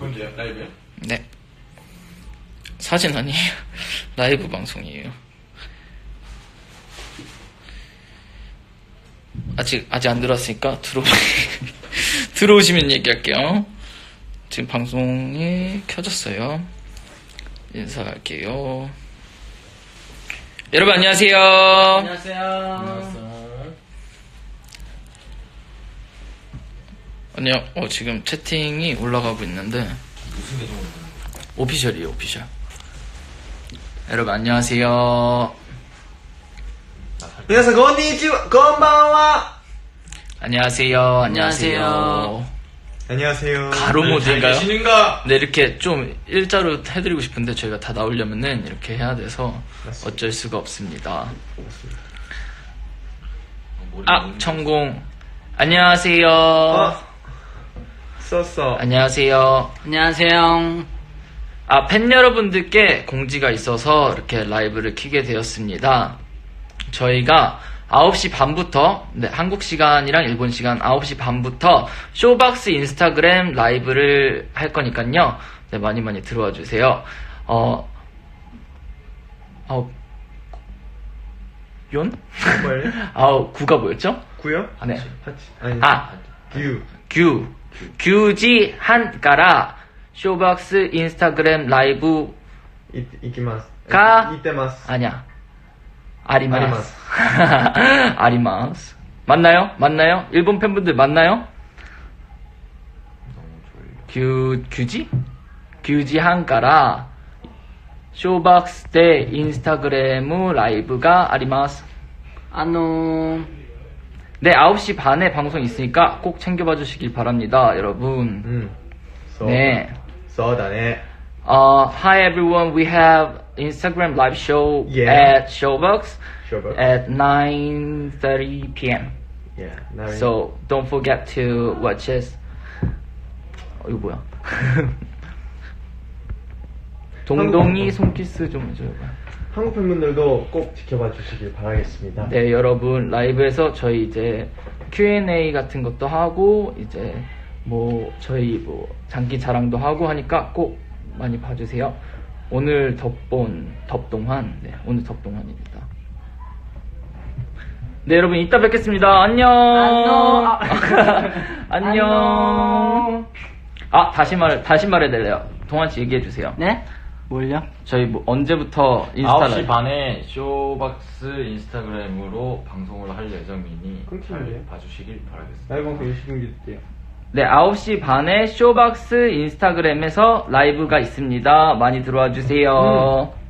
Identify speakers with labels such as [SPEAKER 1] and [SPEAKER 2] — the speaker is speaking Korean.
[SPEAKER 1] 뭔데요? 라이브요?
[SPEAKER 2] 네. 사진 아니에요. 라이브 방송이에요. 아직 안 들어왔으니까 들어오시면 얘기할게요. 지금 방송이 켜졌어요. 인사할게요. 여러분 안녕하세요.
[SPEAKER 3] 안녕하세요.
[SPEAKER 2] 안녕. 지금 채팅이 올라가고 있는데
[SPEAKER 1] 무슨 계정 올리는
[SPEAKER 2] 오피셜이에요, 오피셜. 여러분 안녕하세요.
[SPEAKER 3] 안녕하세요. 건니치와, 건방와.
[SPEAKER 2] 안녕하세요.
[SPEAKER 3] 안녕하세요.
[SPEAKER 2] 안녕하세요.
[SPEAKER 3] 안녕하세요.
[SPEAKER 2] 가로 모드인가요?
[SPEAKER 1] 계시는가?
[SPEAKER 2] 네, 이렇게 좀 일자로 해드리고 싶은데 저희가 다 나오려면은 이렇게 해야 돼서 어쩔 수가 없습니다. 청공. 안녕하세요.
[SPEAKER 3] 썼어.
[SPEAKER 2] 안녕하세요.
[SPEAKER 4] 안녕하세요.
[SPEAKER 2] 팬 여러분들께 공지가 있어서 이렇게 라이브를 켜게 되었습니다. 저희가 9시 반부터, 네, 한국 시간이랑 일본 시간 9시 반부터 쇼박스 인스타그램 라이브를 할 거니까요. 네, 많이 들어와 주세요. 연?
[SPEAKER 3] 뭐예요?
[SPEAKER 2] 구가 뭐였죠?
[SPEAKER 3] 구요?
[SPEAKER 2] 네.
[SPEAKER 3] 아니. 규.
[SPEAKER 2] 규지 한가라 쇼박스 인스타그램 라이브
[SPEAKER 3] 이기마스.
[SPEAKER 2] 가?
[SPEAKER 3] 이때마스.
[SPEAKER 2] 아니야. 아리마스. 아리마스. 맞나요? 일본 팬분들 맞나요? 규지? 규지 한가라 쇼박스 대 인스타그램 라이브가 아리마스. 네, 9시 반에 방송 있으니까 꼭 챙겨봐 주시길 바랍니다, 여러분. 네.
[SPEAKER 3] 써다네.
[SPEAKER 2] Hi everyone, we have Instagram live show
[SPEAKER 3] Yeah.
[SPEAKER 2] at Showbox
[SPEAKER 3] Showbox.
[SPEAKER 2] at 9:30 p.m.
[SPEAKER 3] Yeah.
[SPEAKER 2] So don't forget to watch us. 이거 뭐야? 동동이 손키스 좀 해줘요.
[SPEAKER 3] 한국 팬분들도 꼭 지켜봐 주시길 바라겠습니다.
[SPEAKER 2] 네, 여러분 라이브에서 저희 이제 Q&A 같은 것도 하고 이제 저희 장기 자랑도 하고 하니까 꼭 많이 봐주세요. 오늘 덥동환. 네, 오늘 덥동환입니다. 네, 여러분 이따 뵙겠습니다. 안녕. 안녕. 다시 말해드려요. 동환씨 얘기해주세요.
[SPEAKER 4] 네? 뭘요?
[SPEAKER 2] 저희 언제부터 인스타
[SPEAKER 1] 9시 반에 쇼박스 인스타그램으로 방송을 할 예정이니
[SPEAKER 3] 끊기는데요?
[SPEAKER 1] 잘 봐주시길 바라겠습니다.
[SPEAKER 3] 라이브 방송 열심히 해줄게요.
[SPEAKER 2] 네, 9시 반에 쇼박스 인스타그램에서 라이브가 있습니다. 많이 들어와 주세요.